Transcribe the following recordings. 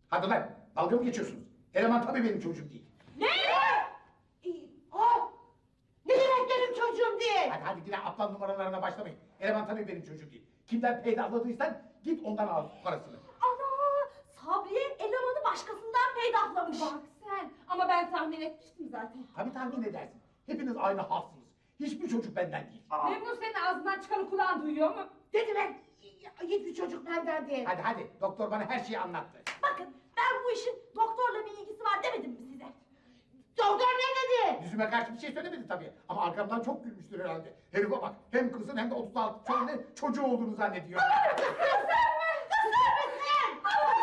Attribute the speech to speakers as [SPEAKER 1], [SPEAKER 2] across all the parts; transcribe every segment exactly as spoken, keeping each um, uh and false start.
[SPEAKER 1] Hadi lan, dalga mı geçiyorsunuz? Eleman tabii benim çocuğum değil.
[SPEAKER 2] Ne? Ee, ha? Ne demek benim çocuğum değil?
[SPEAKER 1] Hadi hadi yine aptal numaralarına başlamayın. Eleman tabii benim çocuğum değil. Kimden peydahladıysan git ondan al parasını.
[SPEAKER 2] Ana! Sabriye elemanı başkasından peydahlamış.
[SPEAKER 3] Bak sen. Ama ben tahmin etmiştim zaten.
[SPEAKER 1] Tabii tahmin edersin. Hepiniz aynı halsınız. Hiçbir çocuk benden değil.
[SPEAKER 3] Memnun senin ağzından çıkanı kulağın duyuyor mu?
[SPEAKER 2] Dediler, hiçbir çocuk benden değil.
[SPEAKER 1] Hadi hadi, doktor bana her şeyi anlattı.
[SPEAKER 2] Bakın, ben bu işin doktorla bir ilgisi var demedim mi size? Doktor ne dedi?
[SPEAKER 1] Yüzüme karşı bir şey söylemedi tabii. Ama arkamdan çok gülmüştür herhalde. Herife bak, hem kızın hem de otuz altı çocuğun çocuğu olduğunu zannediyor.
[SPEAKER 2] Kısır mı? Kısır mısın?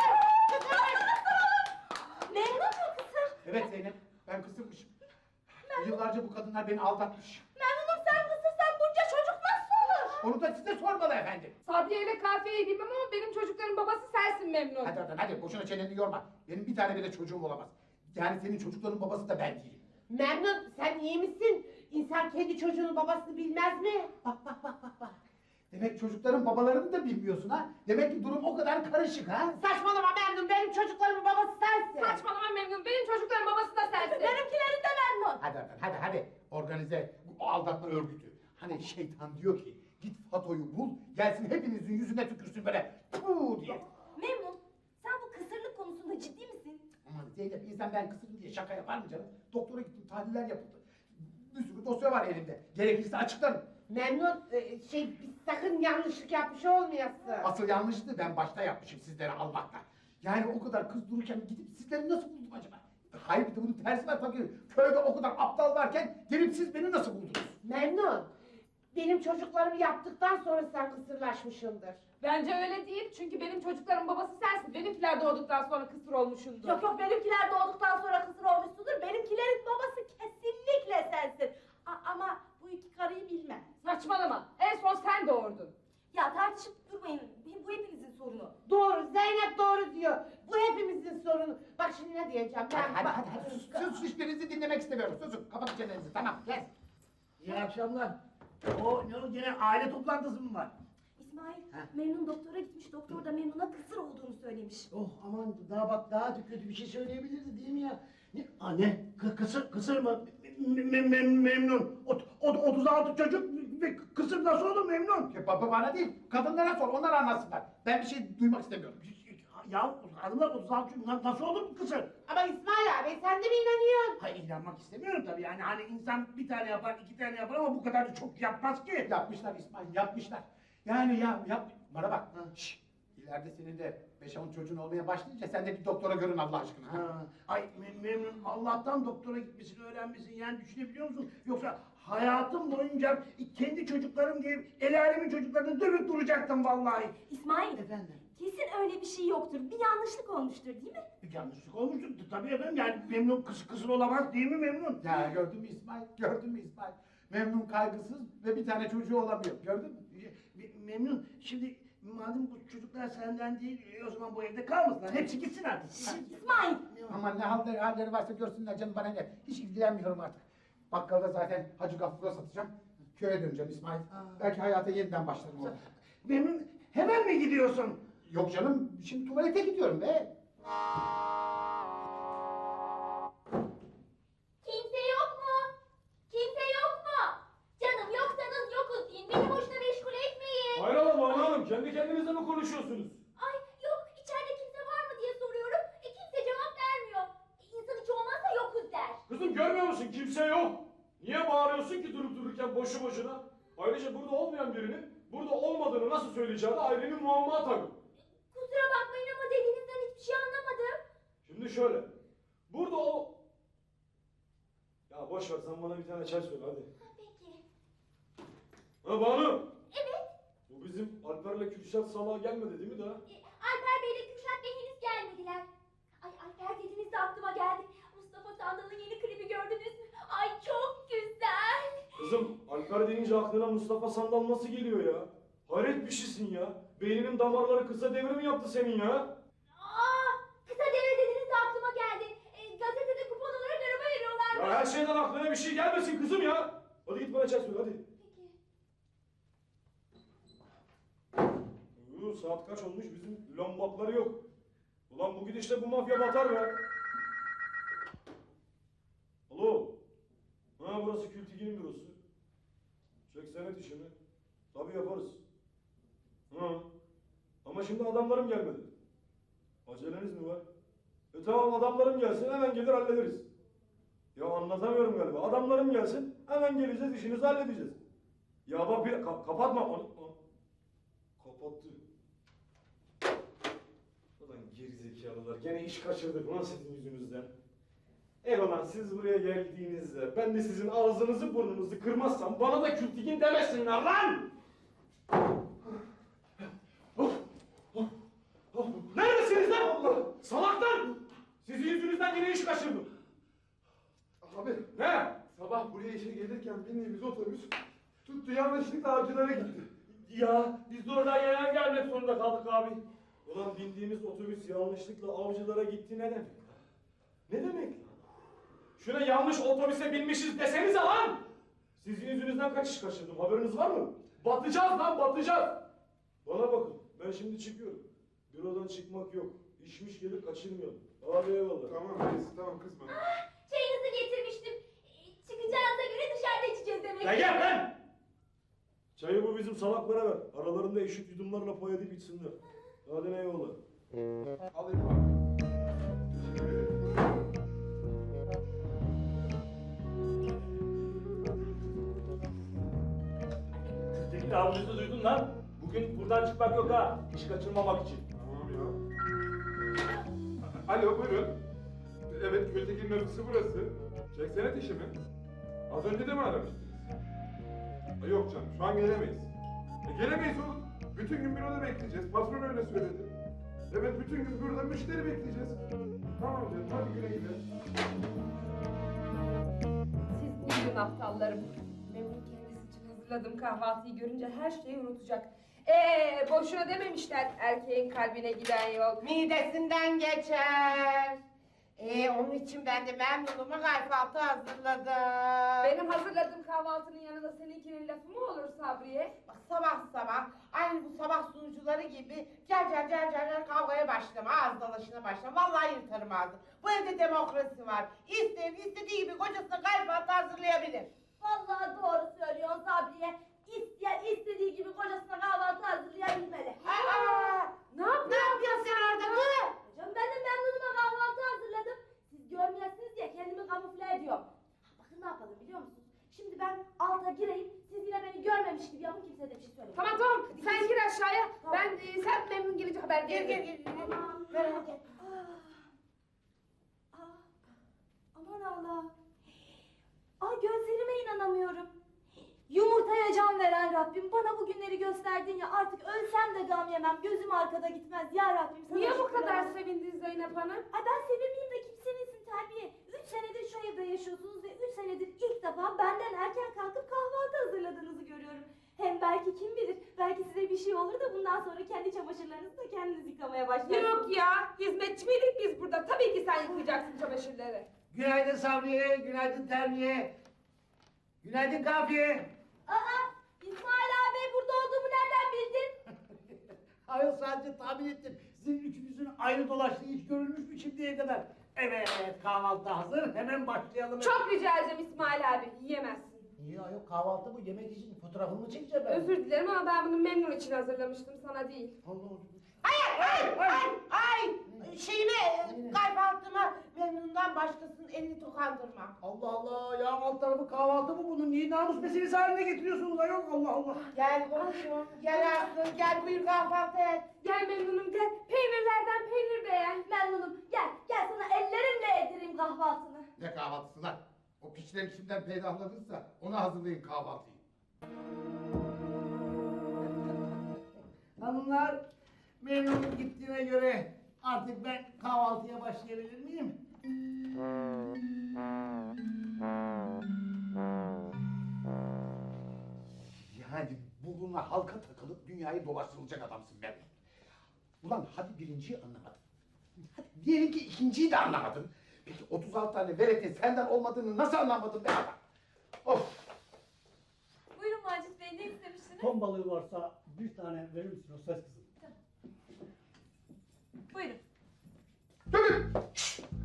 [SPEAKER 2] Memnun mu kısır?
[SPEAKER 1] Evet Zeynep, ben kısırmışım. Yıllarca bu kadınlar beni aldatmış.
[SPEAKER 2] Memnunum sen kısırsan bunca çocuk nasıl olur?
[SPEAKER 1] Onu da size sormalı efendim.
[SPEAKER 3] Sabriye ile Kafiye'yi bilmem ama benim çocukların babası sensin Memnun.
[SPEAKER 1] Hadi hadi hadi, boşuna çeneni yorma. Benim bir tane bile çocuğum olamaz. Yani senin çocukların babası da ben değilim.
[SPEAKER 2] Memnun sen iyi misin? İnsan kendi çocuğunun babasını bilmez mi?
[SPEAKER 1] Bak bak bak bak bak. Demek çocukların babalarını da bilmiyorsun ha? Demek ki durum o kadar karışık ha?
[SPEAKER 2] Saçmalama Memnun benim çocuklarımın babası sensin.
[SPEAKER 3] Saçmalama Memnun. Benim çocukların babası da sensin.
[SPEAKER 2] Benimkilerin de Memnun.
[SPEAKER 1] Hadi hadi hadi hadi. Organize bu aldatma örgütü. Hani şeytan diyor ki git Fato'yu bul gelsin hepinizin yüzüne tükürsün böyle puuu diye.
[SPEAKER 4] Memnun, sen bu kısırlık konusunda ciddi misin?
[SPEAKER 1] Aman Zeynep insan ben kısırım diye şaka yapar mı canım? Doktora gittim tahliller yapıldı. Bir sürü dosya var elimde. Gerekirse açıklarım.
[SPEAKER 2] Memnun e, şey biz sakın yanlışlık yapmış olmayasın.
[SPEAKER 1] Asıl yanlıştı ben başta yapmışım sizleri almakla. Yani o kadar kız dururken gidip sizleri nasıl buldum acaba? Hayır bir de bunun tersi var tabii. Köyde o kadar aptal varken gelip siz beni nasıl buldunuz?
[SPEAKER 2] Memnun. Benim çocuklarımı yaptıktan sonra sen kısırlaşmışsındır.
[SPEAKER 3] Bence öyle değil. Çünkü benim çocukların babası sensin. Benimkiler doğduktan sonra kısır olmuşundur.
[SPEAKER 4] Yok yok benimkiler doğduktan sonra kısır olmuşsundur. Benimkilerin babası kesinlikle sensin. A- ama bu iki karıyı bilmem.
[SPEAKER 3] Saçmalama. En son sen doğurdun.
[SPEAKER 4] Ya tartışıp durmayın. Bu hepinizin sorunu.
[SPEAKER 2] Doğru Zeynep doğru diyor. Bu hepimizin sorunu. Bak şimdi ne diyeceğim ben.
[SPEAKER 1] Hadi hadi
[SPEAKER 2] bak-
[SPEAKER 1] hadi, hadi sus, sus hiçbirinizi dinlemek istemiyorum. Susun kapatın çenenizi tamam kes.
[SPEAKER 5] İyi akşamlar. O ne o gene aile toplantısı mı var?
[SPEAKER 4] İsmail,
[SPEAKER 5] Ha?
[SPEAKER 4] Memnun doktora gitmiş. Doktor da Memnun'a kısır olduğunu söylemiş.
[SPEAKER 5] Oh aman daha bak daha kötü bir şey söyleyebilirdi değil mi ya? Ne? Aa, ne? Kı- kısır, kısır mı? Me- me- me- memnun. Ot, ot, otuz altı çocuk ve kısır nasıl olur memnun?
[SPEAKER 1] Ya baba bana değil kadınlara sor onlar anlatsınlar. Ben bir şey duymak istemiyorum.
[SPEAKER 5] Ya hanımlar otuz altı çocuk na- nasıl olur bu kısır?
[SPEAKER 2] Ama İsmail abi sen de mi inanıyorsun?
[SPEAKER 5] Hayır inanmak istemiyorum tabii yani hani insan bir tane yapar iki tane yapar ama bu kadar da çok yapmaz ki.
[SPEAKER 1] Yapmışlar İsmail yapmışlar. Yani ya yap bana bak. Şşş. İleride senin de beş on çocuğun olmaya başlayınca sen de bir doktora görün Allah aşkına. Ha?
[SPEAKER 5] Ha, ay me- memnun Allah'tan doktora gitmesini öğrenmesin yani düşünebiliyor musun? Yoksa hayatım boyunca kendi çocuklarım gibi el alemin çocuklarını dövüp duracaktım vallahi.
[SPEAKER 4] İsmail,
[SPEAKER 5] Efendim?
[SPEAKER 4] kesin öyle bir şey yoktur. Bir yanlışlık olmuştur değil mi?
[SPEAKER 5] Bir yanlışlık olmuştur tabii efendim yani memnun kız kızıl olamaz değil mi memnun?
[SPEAKER 1] Ya gördün mü İsmail? Gördün mü İsmail? Memnun kaygısız ve bir tane çocuğu olamıyor. Gördün mü?
[SPEAKER 5] Me- Memnun şimdi madem bu çocuklar senden değil e, o zaman bu evde kalmasınlar hepsi gitsin artık. Ha.
[SPEAKER 4] İsmail,
[SPEAKER 1] Aman ne halleri, halleri varsa görsünler canım bana ne. Hiç ilgilenmiyorum artık. Bakkalda zaten Hacı Gafur'a satacağım. Köye döneceğim İsmail. Belki hayata yeniden başlarım orada.
[SPEAKER 5] Memnun hemen mi gidiyorsun?
[SPEAKER 1] Yok canım şimdi tuvalete gidiyorum be.
[SPEAKER 4] kimse yok mu? Kimse yok mu? Canım yoksanız yokuz deyin. Beni boşuna meşgul etmeyin.
[SPEAKER 6] Hayrola Banu Hanım, kendi kendinize mi konuşuyorsunuz?
[SPEAKER 4] Ay yok içeride kimse var mı diye soruyorum. E, kimse cevap vermiyor. E, İnsan hiç olmazsa yokuz der.
[SPEAKER 6] Kızım görmüyor musun? Kimse yok. Niye bağırıyorsun ki durup dururken boşu boşuna? Ayrıca burada olmayan birinin burada olmadığını nasıl söyleyeceğini ayrı bir muamma tabii.
[SPEAKER 4] Kusura bakmayın ama dediğinizden hiçbir şey anlamadım.
[SPEAKER 6] Şimdi şöyle, burada o... Ya boş ver sen bana bir tane çay söyle hadi.
[SPEAKER 4] Ha, peki.
[SPEAKER 6] Ha Banu!
[SPEAKER 4] Evet.
[SPEAKER 6] Bu bizim Alper'le Kürşat salağa gelmedi değil mi daha?
[SPEAKER 4] e, Alper Bey ile Kürşat Bey henüz gelmediler. Ay Alper dediniz de aklıma geldi. Mustafa Sandal'ın yeni klibi gördünüz mü? Ay çok güzel.
[SPEAKER 6] Kızım Alper deyince aklına Mustafa Sandal nasıl geliyor ya? Hayret bir şeysin ya. Beyninin damarları kısa devrim yaptı senin ya.
[SPEAKER 4] Aa, kısa devre dediniz de aklıma geldi. E, gazetede kupon olarak araba veriyorlar.
[SPEAKER 6] Ya her şeyden aklına bir şey gelmesin kızım ya. Hadi git bana çay söyle hadi.
[SPEAKER 4] Peki.
[SPEAKER 6] Yoo, saat kaç olmuş bizim lombakları yok. Ulan bu gidişle bu mafya batar be. Alo. Ha burası Kültigi'nin bürosu. Çek senet işi mi? Tabii yaparız. Ha. Ama şimdi adamlarım gelmedi. Aceleniz mi var? E tamam adamlarım gelsin hemen gelir hallederiz. Ya anlatamıyorum galiba. Adamlarım gelsin hemen geleceğiz işinizi halledeceğiz. Ya bak bir ka- kapatma onu. onu- Kapattı. Ulan gerizekalılar gene iş kaçırdık lan sizin yüzünüzden. Eyvallah siz buraya geldiğinizde ben de sizin ağzınızı burnunuzu kırmazsam bana da Kültigin demesinler lan! Neredesiniz lan? Allah! Salaklar! Sizin yüzünüzden yine iş kaçırdım.
[SPEAKER 7] Abi
[SPEAKER 6] Ne?
[SPEAKER 7] sabah buraya işe gelirken bindiğimiz otobüs tuttu yanlışlıkla avcılara gitti.
[SPEAKER 6] Ya biz de oradan yayan gelmek zorunda kaldık abi. Ulan bindiğimiz otobüs yanlışlıkla avcılara gitti ne demek? Ne demek lan? Şuna yanlış otobüse binmişiz desenize lan! Sizin yüzünüzden kaç iş kaçırdım haberiniz var mı? Batacağız lan batacağız! Bana bakın ben şimdi çıkıyorum. Bürodan çıkmak yok. İşmiş gelir kaçırmayalım. Hadi eyvallah.
[SPEAKER 7] Tamam reis tamam kızma.
[SPEAKER 4] Çayınızı getirmiştim. Ee, Çıkacağınıza göre dışarıda içeceğiz demek.
[SPEAKER 6] Ya gel lan! Çayı bu bizim salaklara ver. Aralarında eşit yudumlarla pay edip içsinler. Hadi eyvallah.
[SPEAKER 7] Alayım abi. Teşekkür ederim.
[SPEAKER 6] Kültigin avcısı duydun lan. Bugün buradan çıkmak yok ha. İş kaçırmamak için.
[SPEAKER 7] Tamam ya. Alo buyurun. Evet Gültekin'in ofisi burası. Çek senet işi mi? Az önce de mi aramıştınız? Ha, yok canım şu an gelemeyiz. E, gelemeyiz oğlum. Bütün gün büroda bekleyeceğiz. Patron öyle söyledi. Evet bütün gün burada müşteri bekleyeceğiz. Tamam canım hadi güle güle.
[SPEAKER 3] Siz uyuyun aptallarım. Memnun kendisi için hazırladığım kahvaltıyı görünce her şeyi unutacak. Ee, boşuna dememişler erkeğin kalbine giden yol.
[SPEAKER 8] Midesinden geçer. Ee, onun için ben de memnunuma kahvaltı hazırladım.
[SPEAKER 3] Benim hazırladığım kahvaltının yanında seninkinin lafı mı olur Sabriye?
[SPEAKER 8] Bak sabah sabah aynı bu sabah sunucuları gibi gel gel gel gel gel kavgaya başlama, ağız dalaşına başlama. Vallahi yırtarım ağzını. Bu evde demokrasi var. İsteyen istediği gibi kocasına kahvaltı hazırlayabilir.
[SPEAKER 2] Vallahi doğru söylüyor Sabriye. İsteyen istediği gibi kocasına kahvaltı hazırlayabilmeli.
[SPEAKER 8] Aa,
[SPEAKER 3] Ne yapıyorsun?
[SPEAKER 8] ne yapıyorsun sen orada kız?
[SPEAKER 2] Hocam ben de memnunuma kahvaltı hazırladım. Siz görmeyesiniz diye kendimi kamufle ediyorum. Bakın ne yapalım biliyor musunuz? Şimdi ben alta gireyim, siz yine beni görmemiş gibi yapın, kimse de bir şey söylemeyin.
[SPEAKER 3] Tamam tamam sen gir aşağıya. Ben e, sen memnun gelince haber
[SPEAKER 8] Gel gel
[SPEAKER 3] veririm.
[SPEAKER 8] gel. gel.
[SPEAKER 2] Aman.
[SPEAKER 8] Merak etme.
[SPEAKER 2] Ah. Ah. Aman Allah. Ay gözlerime inanamıyorum. Yumurtaya can veren Rabbim bana bu günleri gösterdin ya, artık ölsem de gam yemem, gözüm arkada gitmez ya Rabbim. Sana
[SPEAKER 3] Niye bu
[SPEAKER 2] şükürler
[SPEAKER 3] kadar
[SPEAKER 2] olsun.
[SPEAKER 3] sevindin Zeynep Hanım?
[SPEAKER 2] Ay ben sevinmeyeyim de kim sevinsin terbiye. Üç senedir şu evde yaşıyorsunuz ve üç senedir ilk defa benden erken kalkıp kahvaltı hazırladığınızı görüyorum. Hem belki kim bilir, belki size bir şey olur da bundan sonra kendi çamaşırlarınızı da kendiniz yıkamaya başlarsınız.
[SPEAKER 3] Yok ya hizmetçi miydik biz burada? Tabii ki sen yıkayacaksın çamaşırları.
[SPEAKER 5] Günaydın Sabriye, günaydın Terbiye. Günaydın Kafiye.
[SPEAKER 2] Aa, İsmail abi burada olduğumu nereden bildin?
[SPEAKER 5] Hayır sadece tahmin ettim. Sizin üçünüzün ayrı dolaştığı hiç görülmüş mü şimdiye kadar? Evet, kahvaltı hazır. Hemen başlayalım.
[SPEAKER 3] Çok rica edeceğim İsmail abi yiyemezsin.
[SPEAKER 5] Niye ayol kahvaltı bu? Yemek için fotoğrafımı çekeceğim ben.
[SPEAKER 3] Özür dilerim ama ben bunu memnun için hazırlamıştım sana değil.
[SPEAKER 5] Allah Allah.
[SPEAKER 8] Hayır, hayır, hayır, hayır. Şeyime, kahvaltıma memnundan başkasının elini dokandırma.
[SPEAKER 5] Allah Allah ya alt tarafı kahvaltı mı bunun? Niye namus meselesi haline getiriyorsunuz ayol? Allah Allah.
[SPEAKER 8] Gel komşum, gel Aslı, gel buyur kahvaltı et.
[SPEAKER 3] Gel memnunum gel. Peynirlerden peynir beğen.
[SPEAKER 2] Memnunum. Gel, gel sana ellerimle yedireyim kahvaltını.
[SPEAKER 1] Ne kahvaltısı lan? O piçleri kimden peydahladınsa ona hazırlayın kahvaltıyı.
[SPEAKER 5] Hanımlar memnun gittiğine göre artık ben kahvaltıya başlayabilir miyim?
[SPEAKER 1] Yani burnuna halka takılıp dünyayı dolaştırılacak adamsın Memnun. Ulan hadi birinciyi anlamadın. Hadi diyelim ki ikinciyi de anlamadın. Peki otuz altı tane veretin senden olmadığını nasıl anlamadın be adam? Of!
[SPEAKER 2] Buyurun Macit Bey, ne istemiştiniz?
[SPEAKER 9] Ton balığı varsa bir tane verir misin o ses kızım?
[SPEAKER 2] Buyurun.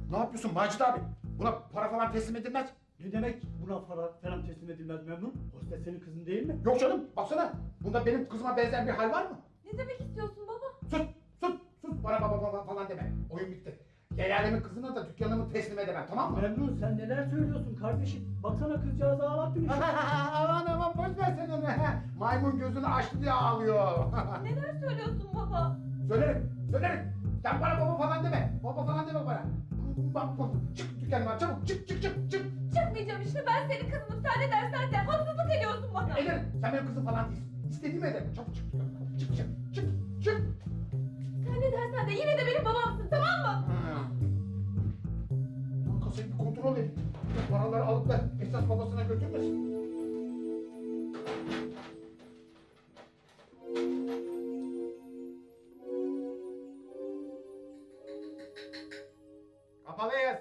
[SPEAKER 1] Ne yapıyorsun Macit abi? Buna para falan teslim edilmez.
[SPEAKER 5] Ne demek buna para falan teslim edilmez Memnun? Hostes senin kızın değil mi?
[SPEAKER 1] Yok canım baksana. Bunda benim kızıma benzer bir hal var mı?
[SPEAKER 2] Ne demek istiyorsun baba?
[SPEAKER 1] Sus sus sus bana baba baba falan deme. Oyun bitti. El alemin kızına da dükkanımı teslim edemem tamam mı?
[SPEAKER 5] Memnun sen neler söylüyorsun kardeşim? Baksana kızcağızı ağlattın işte.
[SPEAKER 1] Aman aman boş ver sen onu. Maymun gözünü açtı diye ağlıyor.
[SPEAKER 2] Neler söylüyorsun baba?
[SPEAKER 1] Söylerim, söylerim. Sen bana baba falan deme. Baba falan deme bana. Bak bak, çık dükkanıma çabuk, çık çık çık çık.
[SPEAKER 2] Çıkmayacağım işte, ben senin kızınım. Sen ne dersen de haksızlık ediyorsun bana.
[SPEAKER 1] Ederim, sen benim kızım falan değilsin. İstediğimi ederim. Çabuk çık dükkanıma. Çık çık çık çık.
[SPEAKER 2] Sen ne dersen de yine de benim babamsın, tamam mı?
[SPEAKER 1] Dur kasayı bir kontrol edeyim. Bu paraları alıp da esas babasına götürmesin. Kapalıyız.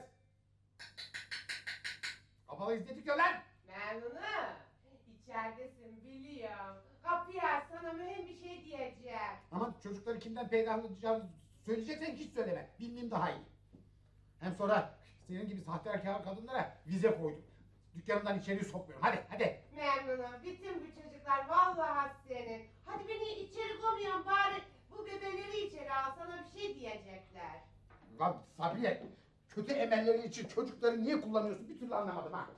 [SPEAKER 1] Kapalıyız ne diyor lan?
[SPEAKER 8] Memnunum. İçeridesin biliyorum. Kapıyı aç, sana mühim bir şey diyeceğim.
[SPEAKER 1] Aman çocukları kimden peydahlayacağını söyleyeceksen hiç söyleme. Bilmeyeyim daha iyi. Hem sonra senin gibi sahtekar kadınlara vize koydum. Dükkanımdan içeri sokmuyorum. Hadi hadi.
[SPEAKER 8] Memnunum. Bütün bu çocuklar vallahi senin. Hadi beni içeri koymayan bari bu bebeleri içeri al, sana bir şey diyecekler.
[SPEAKER 1] Lan Sabriye, kötü emelleri için çocukları niye kullanıyorsun bir türlü anlamadım ha.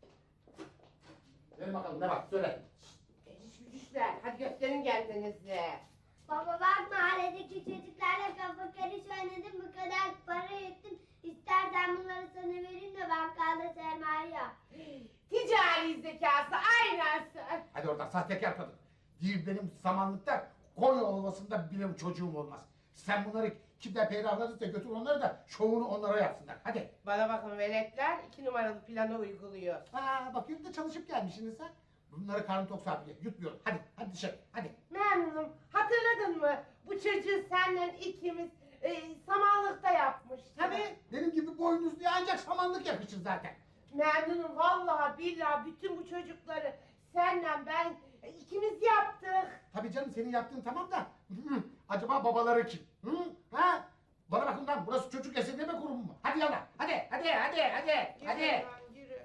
[SPEAKER 1] Ver bakalım ne var söyle.
[SPEAKER 8] Geçiş güçler, hadi gösterin kendinizi.
[SPEAKER 9] Baba bak mahalledeki çocuklarla kafa karış oynadım bu kadar para ettim. İstersen bunları sana vereyim de bakkalda sermaye yap.
[SPEAKER 8] Ticari zekası aynen sen.
[SPEAKER 1] Hadi oradan sahtekar kadın. Değil benim samanlıkta Konya Ovası'nda bile çocuğum olmaz. Sen bunları kimden peydahladıysa götür onları da şovunu onlara yapsınlar. Hadi.
[SPEAKER 8] Bana bakın veletler iki numaralı planı uyguluyor.
[SPEAKER 1] Aa bakıyorum da çalışıp gelmişsiniz ha. Bunları karnı tok Sabriye yutmuyorum. Hadi hadi dışarı hadi.
[SPEAKER 8] Memnunum. Hatırladın mı? Bu çocuğu senden ikimiz e, samanlıkta yapmıştık.
[SPEAKER 1] Tabii benim gibi boynuzluya ancak samanlık yakışır zaten.
[SPEAKER 8] Memnunum vallahi billahi bütün bu çocukları senden ben e, ikimiz yaptık.
[SPEAKER 1] Tabii canım senin yaptığın tamam da hı, acaba babaları kim? Hı? Ha? Bana bakın lan burası çocuk esirgeme kurumu mu? Hadi yallah hadi hadi hadi hadi
[SPEAKER 8] Yürü
[SPEAKER 1] hadi.
[SPEAKER 8] lan, yürü.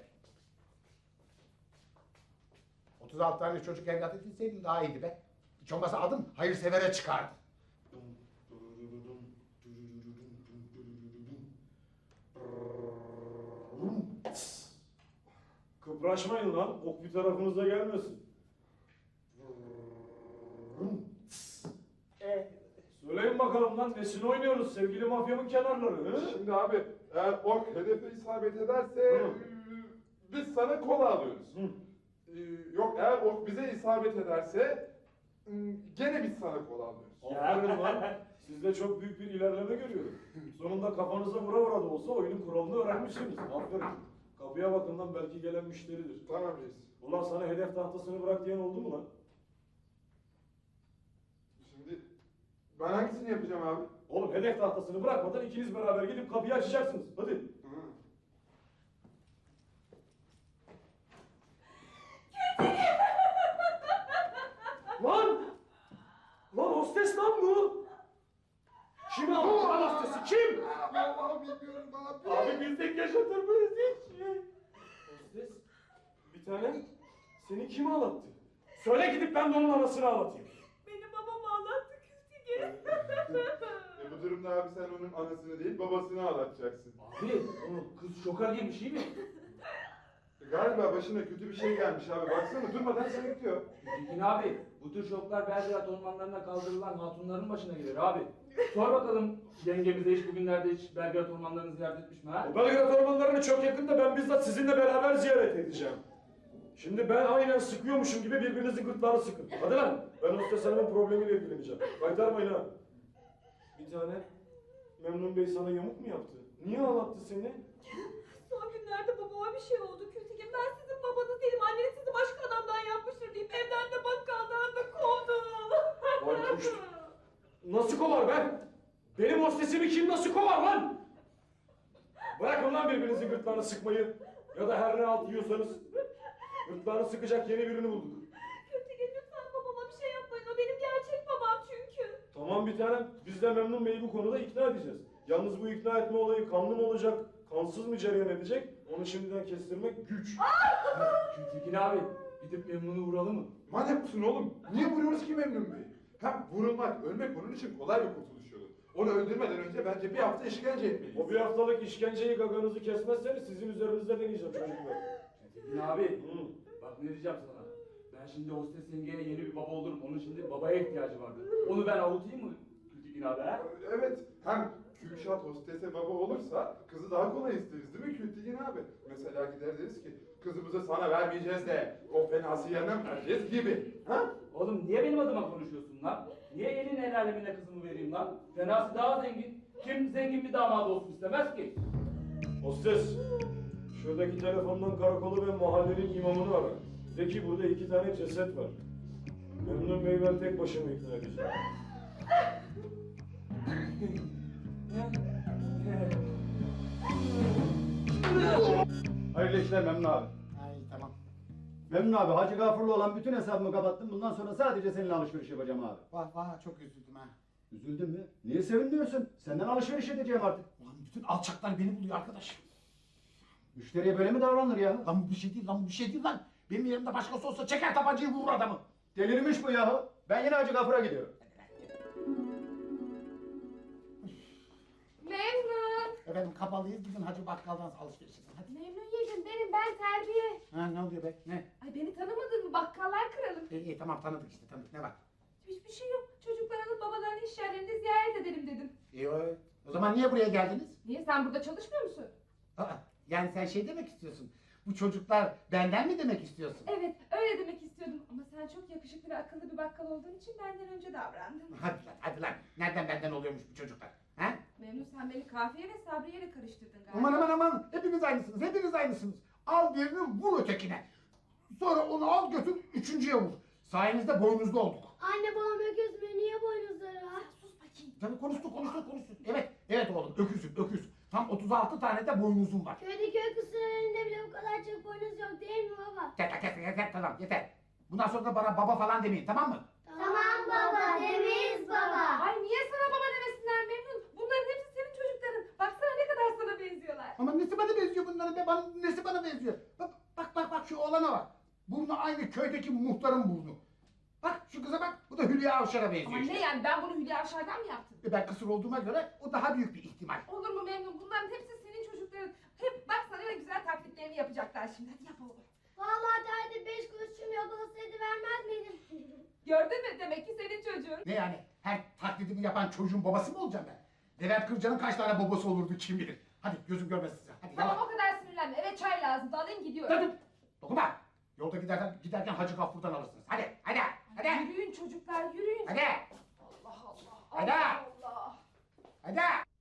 [SPEAKER 1] otuz altı tane çocuk evlat edinseydin daha iyiydi be. Hiç olmazsa adım hayırsevere çıkardı.
[SPEAKER 6] Kıpraşmayın lan, ok bir tarafınıza gelmesin. Söyleyin bakalım lan, nesini oynuyoruz sevgili mafyamın kenarları? Hı?
[SPEAKER 7] Şimdi abi eğer ok hedefe isabet ederse
[SPEAKER 6] Hı.
[SPEAKER 7] e, biz sana kola alıyoruz.
[SPEAKER 6] Hı.
[SPEAKER 7] E, Yok eğer ok bize isabet ederse e, gene biz sana kola alıyoruz.
[SPEAKER 6] Aferin lan, sizde çok büyük bir ilerleme görüyorum. Sonunda kafanıza vura vura da olsa oyunun kuralını öğrenmişsiniz. Aferin. Kapıya bakın lan, belki gelen müşteridir.
[SPEAKER 7] Tamam reis.
[SPEAKER 6] Ulan sana hedef tahtasını bırak diyen oldu mu lan?
[SPEAKER 7] Şimdi ben hangisini yapacağım abi?
[SPEAKER 6] Oğlum hedef tahtasını bırakmadan ikiniz beraber gidip kapıyı açacaksınız. Hadi.
[SPEAKER 7] Hı.
[SPEAKER 6] Lan! Lan hostes lan bu! Kim aldı lan hostesi? Kim?
[SPEAKER 7] Vallahi bilmiyorum abi.
[SPEAKER 6] Abi bilsek yaşatır mıyız hiç? Hostes, bir tanem seni kim ağlattı? Söyle gidip ben de onun anasını ağlatayım.
[SPEAKER 2] Benim babam ağlattı Kültige.
[SPEAKER 7] E bu durumda abi sen onun anasını değil babasını ağlatacaksın.
[SPEAKER 6] Abi, kız şoka girmiş iyi mi?
[SPEAKER 7] E galiba başına kötü bir şey gelmiş abi. Baksana durmadan seninkliyor.
[SPEAKER 10] Tekin abi, bu tür şoklar Belgrad ormanlarına kaldırılan hatunların başına gelir abi. Sor bakalım yengemize hiç bugünlerde hiç Belgrad ormanlarını ziyaret etmiş mi ha?
[SPEAKER 6] O Belgrad ormanlarını çok yakında ben bizzat sizinle beraber ziyaret edeceğim. Şimdi ben aynen sıkıyormuşum gibi birbirinizin gırtlağını sıkın. Hadi lan, ben hostes hanımın problemiyle ilgileneceğim. Kaytarmayın ha. Bir tane Memnun Bey sana yamuk mu yaptı? Niye ağlattı seni?
[SPEAKER 2] Son günlerde babama bir şey oldu Kültige. Ben sizin babanız değilim. Anneniz sizi başka adamdan yapmıştır deyip evden de bakkaldan da kovdu.
[SPEAKER 6] Vay kuş. Nasıl kovar be? Benim hostesimi kim nasıl kovar lan? Bırakın lan birbirinizin gırtlağını sıkmayı. Ya da her ne alt yiyorsanız. Gırtlağını sıkacak yeni birini bulduk.
[SPEAKER 2] Kültige lütfen babama bir şey yapmayın. O benim gerçek babam çünkü.
[SPEAKER 6] Tamam bir tanem. Biz de Memnun Bey'i bu konuda ikna edeceğiz. Yalnız bu ikna etme olayı kanlı mı olacak, kansız mı cereyan edecek? Onu şimdiden kestirmek güç.
[SPEAKER 10] Gültekin abi gidip Memnun'u vuralım mı?
[SPEAKER 7] Manyak mısın oğlum? Niye vuruyoruz ki Memnun Bey'i? Hem vurulmak, ölmek onun için kolay bir kurtuluş yolu. Onu öldürmeden önce bence bir hafta işkence etmeliyiz.
[SPEAKER 6] O bir haftalık işkenceyi gaganızı kesmezseniz sizin üzerinizde deneyeceğim çocuklar.
[SPEAKER 10] Gültekin abi
[SPEAKER 6] Hı.
[SPEAKER 10] bak ne diyeceğim sana. Ben şimdi hostes yengeye yeni bir baba olurum. Onun şimdi babaya ihtiyacı vardı. Onu ben avutayım mı Gültekin abi ha?
[SPEAKER 7] Evet, hem Kürşat hostese baba olursa kızı daha kolay isteriz değil mi Kültigin abi? Mesela gider deriz ki kızımızı sana vermeyeceğiz de o fenası yerine mi vereceğiz gibi. Ha?
[SPEAKER 10] Oğlum niye benim adıma konuşuyorsun lan? Niye elin el alemine kızımı vereyim lan? Fenası daha zengin. Kim zengin bir damat olsun istemez ki?
[SPEAKER 6] Hostes, şuradaki telefondan karakolu ve mahallenin imamını ara. De ki burada iki tane ceset var. Memnun Bey ben tek başıma ikna edeceğim.
[SPEAKER 11] Hayırlı işler Memnun abi.
[SPEAKER 1] Ay tamam.
[SPEAKER 11] Memnun abi Hacı Gafur'la olan bütün hesabımı kapattım. Bundan sonra sadece seninle alışveriş yapacağım abi.
[SPEAKER 1] Vah vah çok üzüldüm ha.
[SPEAKER 11] Üzüldün mü? Niye sevinmiyorsun? Senden alışveriş edeceğim artık.
[SPEAKER 1] Ulan bütün alçaklar beni buluyor arkadaş.
[SPEAKER 11] Müşteriye böyle mi davranılır ya?
[SPEAKER 1] Lan bu bir şey değil lan bu bir şey değil lan. Benim yerimde başkası olsa çeker tabancayı vurur adamı.
[SPEAKER 11] Delirmiş bu yahu. Ben yine Hacı Gafur'a gidiyorum.
[SPEAKER 3] Memnun.
[SPEAKER 1] Efendim kapalıyız gidin Hacı Bakkal'dan alışveriş edin hadi.
[SPEAKER 3] Memnun yedim benim ben terbiye.
[SPEAKER 1] Ha ne oluyor be ne?
[SPEAKER 3] Ay beni tanımadın mı? Bakkallar kralım.
[SPEAKER 1] İyi iyi tamam tanıdık işte tanıdık ne var?
[SPEAKER 3] Hiçbir şey yok. Çocuklar alıp babalarının iş yerlerinde ziyaret edelim dedim.
[SPEAKER 1] İyi o. O zaman niye buraya geldiniz?
[SPEAKER 3] Niye sen burada çalışmıyor musun?
[SPEAKER 1] Aa, yani sen şey demek istiyorsun. Bu çocuklar benden mi demek istiyorsun?
[SPEAKER 3] Evet öyle demek istiyordum. Ama sen çok yakışıklı ve akıllı bir bakkal olduğun için benden önce davrandın.
[SPEAKER 1] Hadi lan hadi lan. Nereden benden oluyormuş bu çocuklar? Ha?
[SPEAKER 3] Memnun sen beni Kafiye ve Sabriye ile karıştırdın galiba.
[SPEAKER 1] Aman aman aman hepiniz aynısınız hepiniz aynısınız. Al birini vur ötekine. Sonra onu al götür üçüncüye vur. Sayenizde boynuzlu olduk.
[SPEAKER 9] Anne babam öküz mü? Niye boynuzları var?
[SPEAKER 1] Sus bakayım. Tabii konuştuk konuştuk konuştuk. Evet evet oğlum öküzüm öküz. Tam otuz altı tane de boynuzum var.
[SPEAKER 9] Köydeki öküzlerin elinde bile bu kadar çok boynuz yok değil mi baba?
[SPEAKER 1] Yeter yeter yeter tamam yeter. Bundan sonra da bana baba falan demeyin tamam mı?
[SPEAKER 9] Tamam baba, demeyiz baba.
[SPEAKER 3] Ay niye sana baba demesinler Memnun? Bunların hepsi senin çocukların. Baksana ne kadar sana benziyorlar.
[SPEAKER 1] Ama nesi bana benziyor bunların be? Bana, nesi bana benziyor? Bak bak bak bak şu oğlana bak. Burnu aynı köydeki muhtarın burnu. Bak şu kıza bak. Bu da Hülya Avşar'a benziyor
[SPEAKER 3] Ama
[SPEAKER 1] işte.
[SPEAKER 3] ne yani ben bunu Hülya Avşar'dan mı yaptım?
[SPEAKER 1] E ben kısır olduğuma göre o daha büyük bir ihtimal.
[SPEAKER 3] Olur mu Memnun? Bunların hepsi senin çocukların. Hep baksana ne güzel taklitlerini yapacaklar şimdi. Hadi yap oğlum.
[SPEAKER 9] Vallahi derdi beş kuruşum yok olsaydı vermez miydim?
[SPEAKER 3] Gördün mü? Demek ki senin çocuğun.
[SPEAKER 1] Ne yani? Her taklidimi yapan çocuğun babası mı olacağım ben? Levent Kırca'nın kaç tane babası olurdu kim bilir. Hadi gözüm görmesin size. Hadi
[SPEAKER 3] Tamam
[SPEAKER 1] yavaş.
[SPEAKER 3] o kadar sinirlenme. Evet çay lazım. Alayım gidiyorum.
[SPEAKER 1] Dur dur. Dokunma. Yolda giderken, giderken Hacı Gafur'dan alırsınız. Hadi hadi hadi.
[SPEAKER 3] Yürüyün çocuklar yürüyün.
[SPEAKER 1] Hadi.
[SPEAKER 3] Allah Allah.
[SPEAKER 1] Hadi.
[SPEAKER 3] Allah Allah.
[SPEAKER 1] Hadi.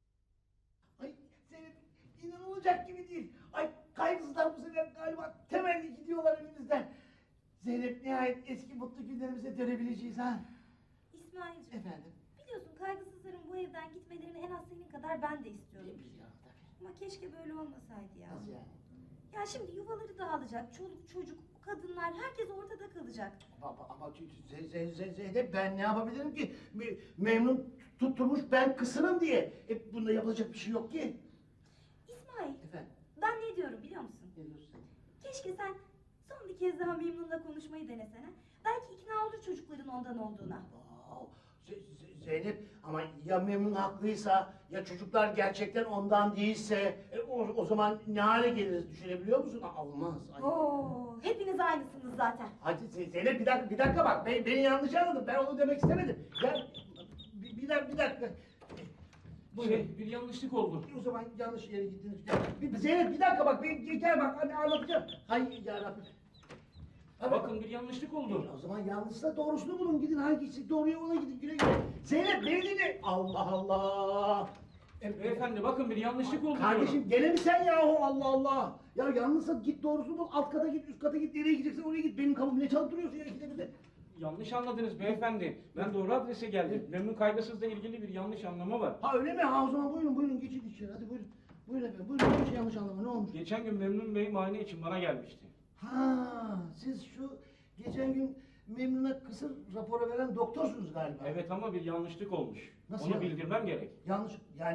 [SPEAKER 5] Ay Zeynep inanılacak gibi değil. Ay kaygısızlar bu sefer galiba temelli gidiyorlar önümüzden. Zeynep nihayet eski mutlu günlerimize dönebileceğiz ha.
[SPEAKER 2] İsmail'cim
[SPEAKER 5] Efendim?
[SPEAKER 2] biliyorsun kaygısızların bu evden gitmelerini en az senin kadar ben de istiyorum.
[SPEAKER 5] Biliyorum tabii.
[SPEAKER 2] Ama keşke böyle olmasaydı ya.
[SPEAKER 5] Nasıl yani?
[SPEAKER 2] Ya şimdi yuvaları dağılacak, çoluk çocuk, kadınlar herkes ortada kalacak.
[SPEAKER 5] Ama, ama Z- Z- Z- Zeynep ben ne yapabilirim ki? Me- Memnun tutturmuş ben kısırım diye. E, bunda yapılacak bir şey yok ki.
[SPEAKER 2] İsmail,
[SPEAKER 5] Efendim?
[SPEAKER 2] ben ne diyorum biliyor musun?
[SPEAKER 5] Ne diyorsun?
[SPEAKER 2] Keşke sen son bir kez daha Memnun'la konuşmayı denesene. Belki ikna olur çocukların ondan olduğuna.
[SPEAKER 5] Aa, Z- Z- Zeynep ama ya Memnun haklıysa ya çocuklar gerçekten ondan değilse e, o, o zaman ne hale geliriz düşünebiliyor musun? Aa, olmaz. Ay.
[SPEAKER 2] Oo, hepiniz aynısınız zaten.
[SPEAKER 5] Hadi Z- Zeynep bir dakika bir dakika bak ben, beni yanlış anladın ben onu demek istemedim. Ya bir, bir dakika bir dakika. Buyurun.
[SPEAKER 10] Şey bir yanlışlık oldu.
[SPEAKER 5] O zaman yanlış yere gittiniz. Bir, Zeynep bir dakika bak ben gel bak hani anlatacağım. Hay ya Rabbim. Abi,
[SPEAKER 10] Bakın bir yanlışlık oldu.
[SPEAKER 5] o zaman yanlışsa doğrusunu bulun gidin hangisi doğruya ona gidin güle güle. Zeynep beni dinle. Allah Allah. E,
[SPEAKER 10] Beyefendi bakın bir yanlışlık oldu.
[SPEAKER 5] Kardeşim gene mi sen yahu Allah Allah. Ya yanlışsa git doğrusunu bul alt kata git üst kata git nereye gideceksen oraya git. Benim kapımı ne çalıp duruyorsun ya ikide bir de.
[SPEAKER 10] Yanlış anladınız beyefendi. Ben doğru adrese geldim. Memnun kaygısızla ilgili bir yanlış anlama var.
[SPEAKER 5] Ha öyle mi? Ha o zaman buyurun buyurun geçin içeri hadi buyurun. Buyurun efendim buyurun hiç yanlış anlama ne olmuş?
[SPEAKER 10] Geçen gün Memnun Bey muayene için bana gelmişti.
[SPEAKER 5] Ha siz şu geçen gün Memnun'a kısır raporu veren doktorsunuz galiba.
[SPEAKER 10] Evet ama bir yanlışlık olmuş.
[SPEAKER 5] Nasıl
[SPEAKER 10] Onu
[SPEAKER 5] yani?
[SPEAKER 10] bildirmem gerek.
[SPEAKER 5] Yanlış yani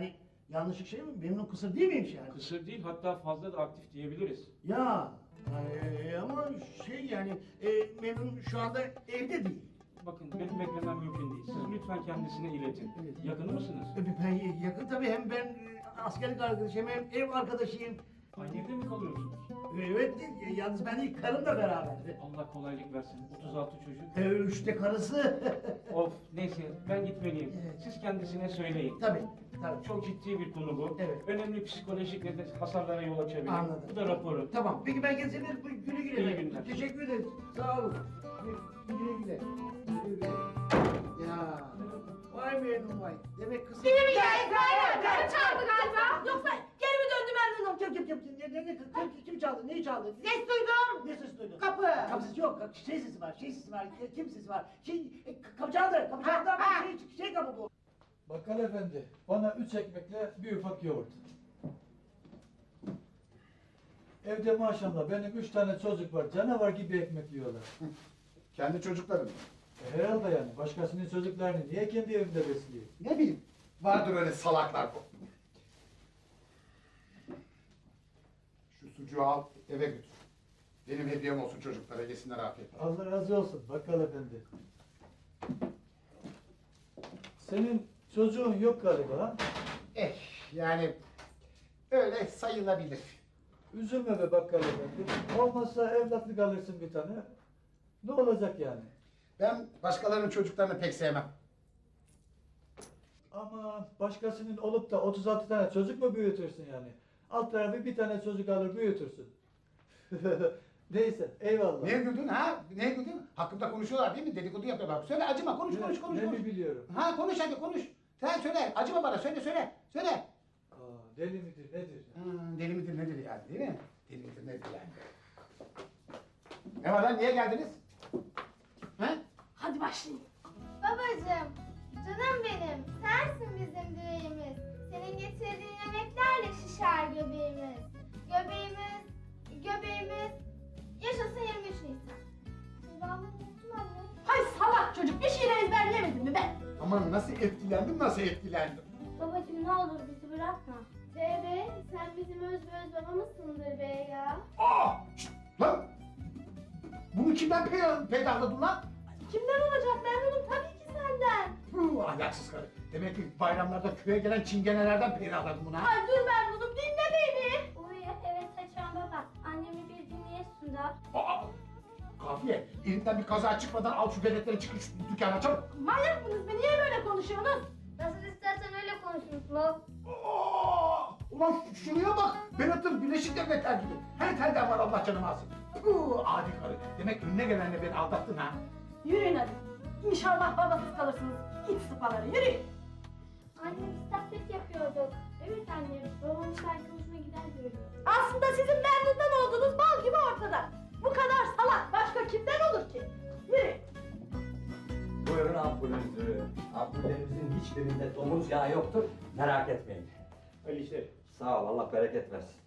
[SPEAKER 5] Yanlışlık şey mi? Memnun kısır değil miymiş yani?
[SPEAKER 10] Kısır değil, hatta fazla da aktif diyebiliriz.
[SPEAKER 5] Ya e, ama şey yani e, Memnun şu anda evde değil.
[SPEAKER 10] Bakın benim beklemem mümkün değil. Siz lütfen kendisine iletin.
[SPEAKER 5] Evet.
[SPEAKER 10] Yakını mısınız?
[SPEAKER 5] E, Ben yakın tabii, hem ben e, askerlik arkadaşıyım hem ev arkadaşıyım.
[SPEAKER 10] Aynı evde mi kalıyorsunuz?
[SPEAKER 5] Evet, e, yalnız ben değil, karım da beraber.
[SPEAKER 10] Allah kolaylık versin. otuz altı çocuk.
[SPEAKER 5] E, üçte karısı.
[SPEAKER 10] Of, neyse ben gitmeliyim.
[SPEAKER 5] Evet.
[SPEAKER 10] Siz kendisine söyleyin.
[SPEAKER 5] Tabii, tabii.
[SPEAKER 10] Çok ciddi bir konu bu.
[SPEAKER 5] Evet.
[SPEAKER 10] Önemli psikolojik neden hasarlara yol açabilir.
[SPEAKER 5] Anladım.
[SPEAKER 10] Bu da raporu.
[SPEAKER 5] Tamam, peki ben geçebilir miyim? Güle güle.
[SPEAKER 10] İyi günler.
[SPEAKER 5] Teşekkür ederiz. Sağ olun. Güle güle. Güle güle. Ya. Vay Memnun vay. Demek kızım.
[SPEAKER 8] Değil mi ya Ezra'yla? Karı çaldı galiba.
[SPEAKER 5] Yoksa geri mi döndü Memnun'um? Kim kim kim kim ne ne ne kim, kim çaldı? Neyi çaldı?
[SPEAKER 8] Ses duydum.
[SPEAKER 5] Ne ses duydun?
[SPEAKER 8] Kapı.
[SPEAKER 5] Kapı sesi yok. Kapı- Şey sesi var. Şey sesi var. Kim sesi var? Şey e, kapı çaldı. Kapı çaldı ama
[SPEAKER 8] Ha, ha.
[SPEAKER 5] şey şey kapı bu.
[SPEAKER 12] Bakkal efendi, bana üç ekmekle bir ufak yoğurt. Evde maşallah benim üç tane çocuk var, canavar gibi ekmek yiyorlar.
[SPEAKER 1] Kendi çocukların.
[SPEAKER 12] E, herhalde yani, başkasının çocuklarını niye kendi evimde besleyeyim?
[SPEAKER 1] Ne bileyim. Vardır öyle salaklar bu. Şu sucuğu al eve götür. Benim hediyem olsun çocuklara, yesinler afiyetle.
[SPEAKER 12] Allah razı olsun bakkal efendi. Senin çocuğun yok galiba ha?
[SPEAKER 1] Eh yani öyle sayılabilir.
[SPEAKER 12] Üzülme be bakkal efendi. Olmazsa evlatlık alırsın bir tane. Ne olacak yani?
[SPEAKER 1] Ben başkalarının çocuklarını pek sevmem.
[SPEAKER 12] Ama başkasının olup da otuz altı tane çocuk mu büyütürsün yani? Alt tarafı bir tane çocuk alır büyütürsün. Neyse eyvallah.
[SPEAKER 1] Niye güldün ha? Niye güldün? Hakkımda konuşuyorlar değil mi? Dedikodu yapıyorlar. Söyle acıma, konuş konuş konuş.
[SPEAKER 12] Ne
[SPEAKER 1] konuş.
[SPEAKER 12] mi biliyorum?
[SPEAKER 1] Ha konuş hadi konuş. Sen söyle, acıma bana, söyle söyle. Söyle.
[SPEAKER 12] Aa, deli midir nedir?
[SPEAKER 1] Hmm, deli midir nedir yani değil mi? Deli midir nedir yani? Ne var lan, niye geldiniz? He?
[SPEAKER 2] Hadi başlayın.
[SPEAKER 9] Babacığım, canım benim, sensin bizim direğimiz. Senin getirdiğin yemeklerle şişer göbeğimiz. Göbeğimiz, göbeğimiz, yaşasın yirmi üç Nisan. Devamını unuttum anne.
[SPEAKER 2] Hay salak çocuk, bir şiir ezberlemedin mi be?
[SPEAKER 1] Aman nasıl etkilendim, nasıl etkilendim.
[SPEAKER 9] Babacığım ne olur bizi bırakma. Bebe, sen bizim öz ve öz babamızsındır be ya.
[SPEAKER 1] Aa! Şşt! Lan! Bunu kimden pey- peydahladın lan?
[SPEAKER 2] Kimden olacak Memnun'um? Tabii ki senden.
[SPEAKER 1] Puh, ahlaksız karı. Demek ki bayramlarda köye gelen çingenelerden peydahladın bunu ha?
[SPEAKER 2] Ay dur Memnun'um, dinle beni.
[SPEAKER 9] Uy evet açan baba. Annemi bir dinleyesin da.
[SPEAKER 1] Aa! Kafiye, elinden bir kaza çıkmadan al şu beletleri, çıkın şu dükkana çabuk.
[SPEAKER 2] Manyak mısınız be? Niye böyle konuşuyorsunuz?
[SPEAKER 9] Nasıl istersen öyle konuşuruz mu?
[SPEAKER 1] Aa! Ulan ş- şuraya bak, Berat'ın Birleşik Devletler gibi. Her telden var, Allah canımı alsın. Puh, adi karı. Demek önüne gelenle beni aldattın ha?
[SPEAKER 2] Yürüyün hadi. İnşallah babasız kalırsınız. İç sıpaları, yürüyün.
[SPEAKER 9] Anne biz taklit yapıyorduk. Evet anne, babamın belki hoşuna gider böyle.
[SPEAKER 2] Aslında sizin Memnun'dan olduğunuz bal gibi ortada. Bu kadar salak başka kimden olur ki? Yürüyün.
[SPEAKER 13] Buyurun ampulünüzü. Ampullerimizin hiçbirinde domuz yağı yoktur. Merak etmeyin.
[SPEAKER 10] Öyle işte.
[SPEAKER 13] Sağ ol, Allah bereket versin.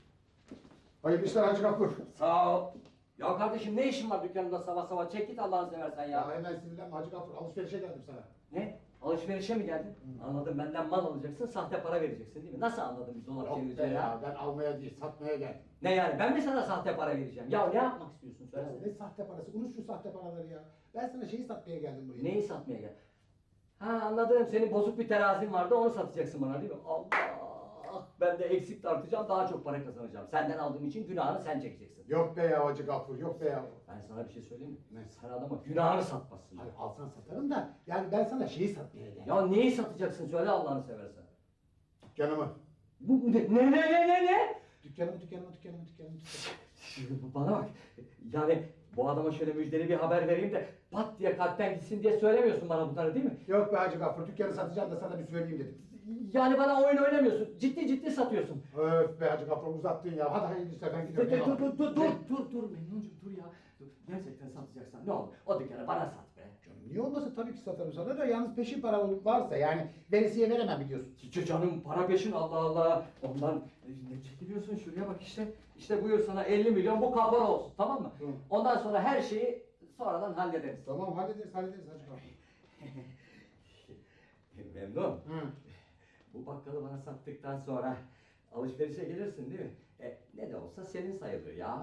[SPEAKER 1] Hayırlı işler Hacı Gafur.
[SPEAKER 13] Sağ ol. Ya kardeşim ne işin var dükkanında sabah sabah? Çek git Allah'ını seversen ya.
[SPEAKER 1] Ya hemen sinirlenme Hacı Gafur, alışverişe geldim sana.
[SPEAKER 13] Ne? Alışverişe mi geldin? Anladım, benden mal alacaksın, sahte para vereceksin değil mi? Nasıl anladın biz dolap
[SPEAKER 1] Yok be
[SPEAKER 13] çevireceğini?
[SPEAKER 1] ya, ben almaya değil, satmaya geldim.
[SPEAKER 13] Ne yani, ben mi sana sahte para vereceğim? Ya ne yapmak istiyorsun
[SPEAKER 1] Ya
[SPEAKER 13] söylesene.
[SPEAKER 1] ne sahte parası, unut şu sahte paraları ya. Ben sana şeyi satmaya geldim buraya.
[SPEAKER 13] Neyi satmaya gel? Ha anladım, senin bozuk bir terazin vardı, onu satacaksın bana değil mi? Allah! Ben de eksik tartacağım, daha çok para kazanacağım. Senden aldığım için günahını sen çekeceksin.
[SPEAKER 1] Yok be ya Hacı Gafur, yok be ya.
[SPEAKER 13] Ben sana bir şey söyleyeyim mi?
[SPEAKER 1] Ne?
[SPEAKER 13] Sen adama günahını satmazsın.
[SPEAKER 1] Hayır, alsan satarım da, yani ben sana şeyi satmaya geldim.
[SPEAKER 13] Ya neyi satacaksın söyle Allah'ını seversen.
[SPEAKER 1] Dükkanımı.
[SPEAKER 13] Bu ne ne ne ne ne ne?
[SPEAKER 1] Dükkanımı, dükkanımı, dükkanımı, dükkanımı, dükkanımı.
[SPEAKER 13] Bana bak. Yani bu adama şöyle müjdeli bir haber vereyim de pat diye kalpten gitsin diye söylemiyorsun bana bunları değil mi?
[SPEAKER 1] Yok be Hacı Gafur, dükkanı satacağım da sana bir söyleyeyim dedim.
[SPEAKER 13] Yani bana oyun oynamıyorsun. Ciddi ciddi satıyorsun.
[SPEAKER 1] Öf be Hacı Gafur, uzattın ya. Hadi hayırlı işler, ben
[SPEAKER 13] Dur
[SPEAKER 1] gidiyorum.
[SPEAKER 13] dur dur dur dur dur dur Memnuncuğum dur ya. Dur. Gerçekten satacaksan ne olur o dükkanı bana sat be.
[SPEAKER 1] Canım niye olmasın, tabii ki satarım sana da, yalnız peşin para varsa yani veresiye veremem biliyorsun.
[SPEAKER 13] Ç- Canım para peşin Allah Allah. Ondan e, ne çekiliyorsun şuraya bak işte. İşte buyur sana elli milyon bu kapora olsun tamam mı?
[SPEAKER 1] Hı.
[SPEAKER 13] Ondan sonra her şeyi sonradan hallederiz.
[SPEAKER 1] Tamam hallederiz hallederiz Hacı Gafur.
[SPEAKER 13] Memnun.
[SPEAKER 1] Hı.
[SPEAKER 13] bu bakkalı bana sattıktan sonra alışverişe gelirsin değil mi? E, ne de olsa senin sayılır ya.